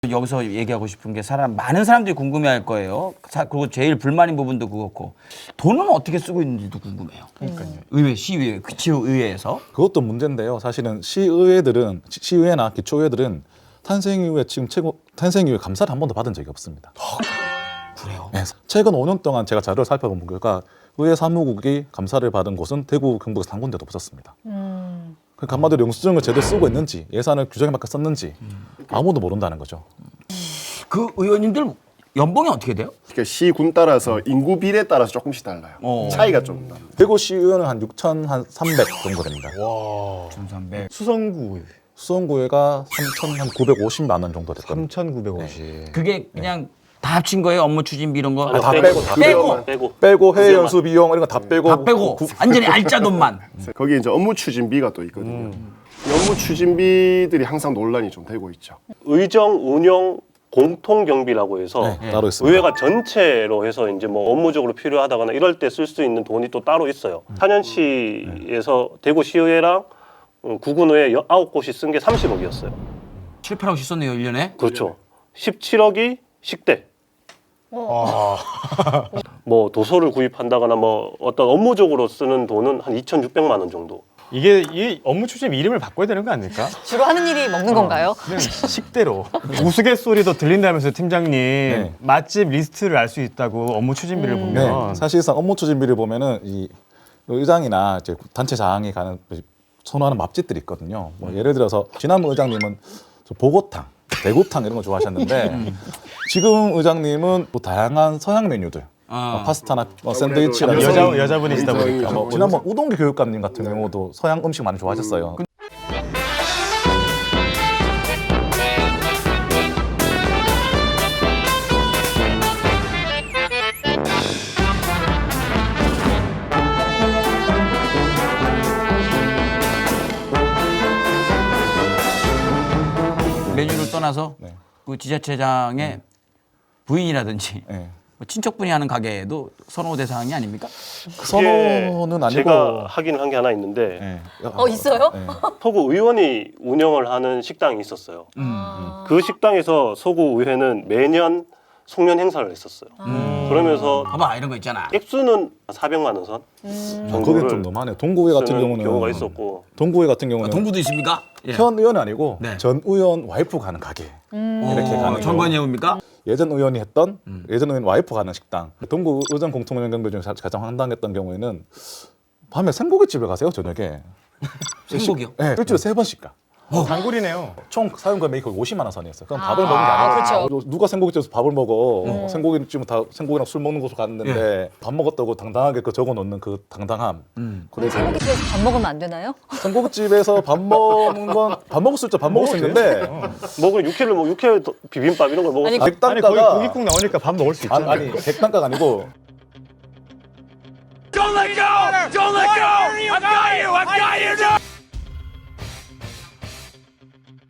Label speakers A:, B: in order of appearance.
A: 여기서 얘기하고 싶은 게 많은 사람들이 궁금해할 거예요. 그리고 제일 불만인 부분도 그렇고 돈은 어떻게 쓰고 있는지도 궁금해요.
B: 그러니까요.
A: 의회, 시의회, 기초의회에서
C: 그것도 문제인데요. 사실은 시의회나 기초의회들은 탄생 이후에 지금 탄생 이후에 감사를 한 번도 받은 적이 없습니다.
A: 그래요?
C: 네, 최근 5년 동안 제가 자료를 살펴본 결과 의회 사무국이 감사를 받은 곳은 대구, 경북에서 한 군데도 없었습니다. 그러니까 한마디로 영수증을 제대로 쓰고 있는지 예산을 규정에 맞게 썼는지 아무도 모른다는 거죠.
A: 그 의원님들 연봉이 어떻게 돼요?
B: 그러니까 시군 따라서 인구 비례에 따라서 조금씩 달라요. 차이가 좀 나요.
C: 대구 시의회는 한 6,300 정도 됩니다.
D: 와.
A: 1,300.
C: 수성구회가 3,950만 원 정도 됐거든요.
D: 3,950.
A: 그게 그냥 다 합친 거예요? 업무 추진비 이런 거?
C: 다 빼고 빼고 해외 연수 비용 이런 거 다 빼고
A: 다 빼고 완전히 알짜 돈만.
B: 거기에 이제 업무 추진비가 또 있거든요. 이 업무 추진비들이 항상 논란이 좀 되고 있죠.
E: 의정 운영 공통 경비라고 해서
C: 네, 따로 있습니다.
E: 의회가 전체로 해서 이제 뭐 업무적으로 필요하다거나 이럴 때 쓸 수 있는 돈이 또 따로 있어요. 사년시에서 대구시의회랑 구군의회 9곳이 쓴 게 30억이었어요.
A: 7, 8억 썼네요, 1년에.
E: 그렇죠. 17억이 식대. 뭐 도서를 구입한다거나 뭐 어떤 업무적으로 쓰는 돈은 한 2,600만 원 정도.
D: 이게 이 업무 추진 이름을 바꿔야 되는 거 아닐까?
F: 주로 하는 일이 먹는 건가요?
D: 그냥 식대로. 우스갯소리도 들린다면서 팀장님 맛집 리스트를 알 수 있다고 업무 추진비를 보면.
C: 네, 사실상 업무 추진비를 보면은 이 의장이나 이제 단체장이 가는 선호하는 맛집들이 있거든요. 뭐 예를 들어서 지난번 의장님은 보고탕, 대구탕 이런 거 좋아하셨는데 지금 의장님은 뭐 다양한 서양 메뉴들, 파스타나 샌드위치나
D: 여자분이시다 보니까.
C: 뭐 지난번 우동기 교육감님 같은 경우도 서양 음식 많이 좋아하셨어요.
A: 메뉴를 떠나서
C: 네.
A: 그 지자체장의 부인이라든지
C: 네.
A: 뭐 친척분이 하는 가게에도 선호 대상이 아닙니까?
C: 그 선호는 아니고
E: 제가 하긴 한 게 하나 있는데
C: 네.
F: 있어요?
C: 네.
E: 서구 의원이 운영을 하는 식당이 있었어요. 그 식당에서 서구 의회는 매년 송년 행사를 했었어요. 그러면서
A: 봐봐 이런 거 있잖아.
E: 액수는 400만 원 선.
C: 거긴 좀 너무하네요. 동구회 같은
E: 쓰는
C: 경우는
E: 경우가 있었고.
C: 동구회 같은 경우는
A: 동부도 있습니까? 예.
C: 현 의원이 아니고
A: 네.
C: 전 의원 와이프가 가는 가게 이렇게 가는 경우.
A: 정관 예우입니까?
C: 예전 의원이 했던 예전 의원 와이프 가는 식당 동구 의정 공통운영경비 중에 가장 황당했던 경우에는 밤에 생고기집에 가세요 저녁에
A: 생고기요?
C: 네, 일주일에 3번씩 가.
D: 단골이네요.
C: 총 사용 금액이 거의 50만 원 선이었어요. 그럼 밥을 먹는 게 아니라
F: 그렇죠.
C: 누가 생고기집에서 밥을 먹어? 생고기집은 다 생고기랑 술 먹는 곳으로 갔는데 밥 먹었다고 당당하게 그 적어 놓는 그 당당함. 그래서
F: 생고기집에서 밥 먹으면 안 되나요?
C: 생고기집에서 밥 먹는 건 밥 먹을 수 있죠. 밥 먹을 수 있는데
E: 먹을 육회를 뭐 육회 비빔밥 이런 걸 먹었어요.
F: 아니,
D: 아니 거기
C: 백단가가
D: 고깃국 나오니까 밥 먹을 수 있잖아요.
C: 아니 백단가가 아니고
G: Don't let go! Don't let go! I got you! I got you!